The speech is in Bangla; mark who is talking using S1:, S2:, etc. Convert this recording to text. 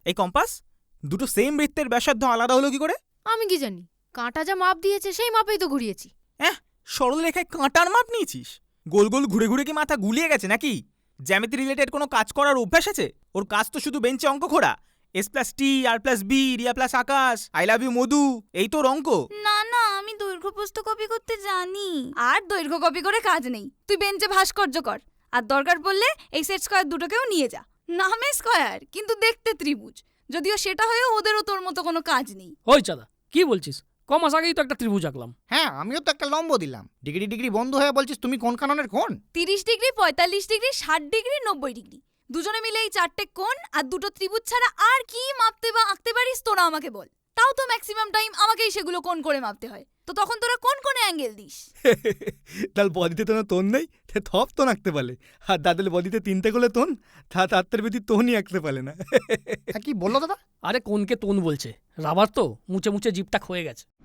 S1: এই কম্পাস, দুটো সেম বৃত্তের ব্যাসার্ধ আলাদা হলো কি করে?
S2: আমি কি জানি, কাঁটা যা মাপ দিয়েছে সেই মাপেই তো ঘুরিয়েছি।
S1: সরলরেখায় কাঁটার মাপ নিয়েছিস? গোল গোল ঘুরে ঘুরে কি মাথা গুলিয়ে গেছে নাকি? জ্যামিতি রিলেটেড কোনো কাজ করার অভ্যাস আছে? ওর কাজ তো শুধু বেঞ্চে অঙ্ক খোঁড়া। S+T, R+B, Riya plus Akash, I love you Madhu, এই তোর অঙ্ক।
S3: না না, আমি দৈর্ঘ্য প্রস্থ কপি করতে জানি। আর দৈর্ঘ্য কপি করে কাজ নেই, তুই বেঞ্চে ভাস্কর্য কর। আর দরকার পড়লে এই সেট স্কয়ার দুটোকেও নিয়ে যা। নামে স্কয়ার কিন্তু দেখতে ত্রিভুজ, যদিও সেটা হয়েও ওদেরও তোর মতো কোনো কাজ নেই।
S4: ওই চাঁদা, কি বলছিস? কমাস আগেই তো একটা ত্রিভুজ আঁকলাম।
S5: হ্যাঁ, আমিও তো একটা লম্ব দিলাম। ডিগ্রি ডিগ্রি বন্ধু হয়ে বলছিস তুমি কোন কাননের কোন?
S3: 30 ডিগ্রি, 45 ডিগ্রি, 60 ডিগ্রি, 90 ডিগ্রি, দুজনে মিলে এই 4টে কোণ আর দুটো ত্রিভুজ ছাড়া আর কি মাপতে বা আঁকতে পারিস তোরা আমাকে বল। তাও তো ম্যাক্সিমাম টাইম আমাকেই সেগুলো কোণ করে মাপতে হয়। তো তখন তোরা কোন কোণে অ্যাঙ্গেল দিস?
S1: তার বডিতে তো তোন নেই, থপ তোন আঁকতে পারে। আর দাদের বডিতে 3টে করে তোন, তার বেশি তোনই আঁকতে পারে না।
S5: কি বললো দাদা?
S4: আরে কোনকে তোন বলছে? রাবার তো মুছে মুছে জিপটা ক্ষয়ে গেছে।